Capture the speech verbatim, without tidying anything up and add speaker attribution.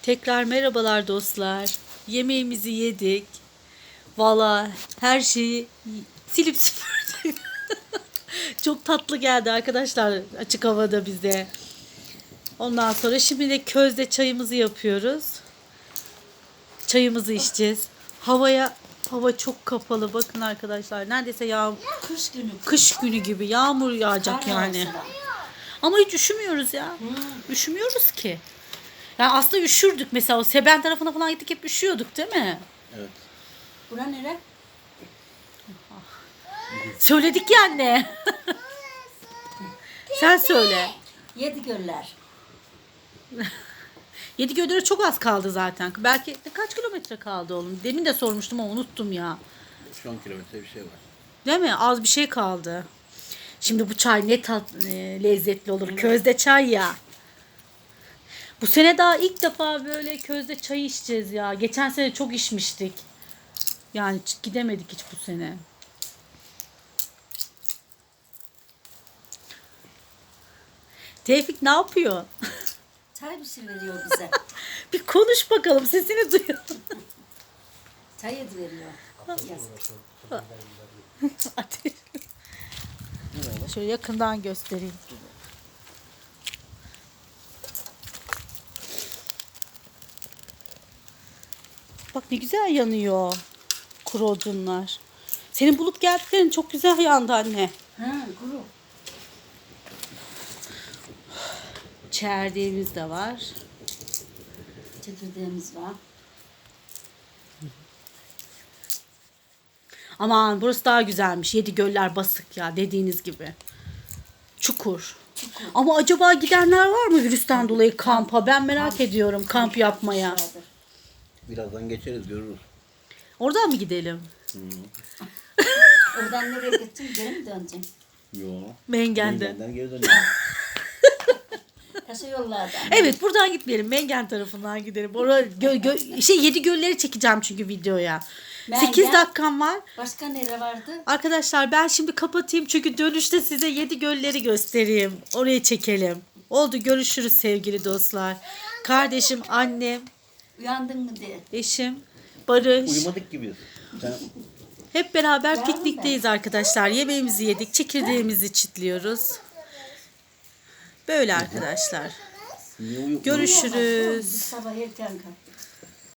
Speaker 1: Tekrar merhabalar dostlar. Yemeğimizi yedik. Valla her şeyi silip süpürdük. Çok tatlı geldi arkadaşlar açık havada bize. Ondan sonra şimdi de közde çayımızı yapıyoruz. Çayımızı içeceğiz. Havaya hava çok kapalı. Bakın arkadaşlar neredeyse yağ
Speaker 2: Kış günü.
Speaker 1: kış günü gibi yağmur yağacak
Speaker 2: Kar
Speaker 1: yani.
Speaker 2: yağsa da.
Speaker 1: Ama hiç üşümüyoruz ya.
Speaker 2: Hmm.
Speaker 1: Üşümüyoruz ki. Yani aslında üşürdük mesela o Seben tarafına falan gittik hep üşüyorduk değil mi?
Speaker 3: Evet.
Speaker 2: Bura nere?
Speaker 1: Söyledik ya anne. Sen söyle.
Speaker 2: Yedi göller.
Speaker 1: Yedigöller'e çok az kaldı zaten. Belki kaç kilometre kaldı oğlum? Demin de sormuştum ama unuttum ya.
Speaker 3: Şu on kilometre bir şey var.
Speaker 1: Değil mi? Az bir şey kaldı. Şimdi bu çay ne tat e, lezzetli olur. Közde çay ya. Bu sene daha ilk defa böyle közde çay içeceğiz ya. Geçen sene çok içmiştik. Yani hiç gidemedik hiç bu sene. Tevfik ne yapıyor?
Speaker 2: Çay bir şey veriyor bize.
Speaker 1: Bir konuş bakalım sesini duyalım.
Speaker 2: Çay yedi veriyor. Yazık.
Speaker 1: Hadi. Şöyle yakından göstereyim. Bak ne güzel yanıyor kuru odunlar. Senin bulup geldiklerin çok güzel yandı anne.
Speaker 2: Ha, kuru.
Speaker 1: Çerdeğimiz de var.
Speaker 2: Çekirdeğimiz var.
Speaker 1: Aman burası daha güzelmiş. Yedigöller basık ya dediğiniz gibi. Çukur.
Speaker 2: Çukur.
Speaker 1: Ama acaba gidenler var mı virüsten dolayı kampa? Ben merak
Speaker 2: Kamp.
Speaker 1: ediyorum kamp yapmaya.
Speaker 2: Yapmışlardır.
Speaker 3: Birazdan geçeriz görürüz.
Speaker 1: Oradan mı gidelim?
Speaker 2: Oradan nereye gideceksin? Geri mi döneceksin?
Speaker 3: Yo.
Speaker 1: Mengen'den.
Speaker 3: Mengen'den geri dönüyoruz.
Speaker 2: Taşı yollardan.
Speaker 1: Evet buradan gitmeyelim. Mengen tarafından gidelim. Orada gö- gö- şey yedi gölleri çekeceğim çünkü videoya.
Speaker 2: Mengen.
Speaker 1: sekiz dakikam var.
Speaker 2: Başka nere vardı?
Speaker 1: Arkadaşlar ben şimdi kapatayım çünkü dönüşte size yedi gölleri göstereyim. Oraya çekelim. Oldu görüşürüz sevgili dostlar. Kardeşim, annem,
Speaker 2: Uyandın mı diye.
Speaker 1: eşim, Barış.
Speaker 3: Uyumadık gibiyiz. Sen
Speaker 1: Hep beraber
Speaker 2: Yardım
Speaker 1: piknikteyiz arkadaşlar. Yemeğimizi yedik. Çekirdeğimizi çitliyoruz. Böyle arkadaşlar.
Speaker 3: niye uyu
Speaker 1: Görüşürüz.
Speaker 2: Biz sabah erken kalktık.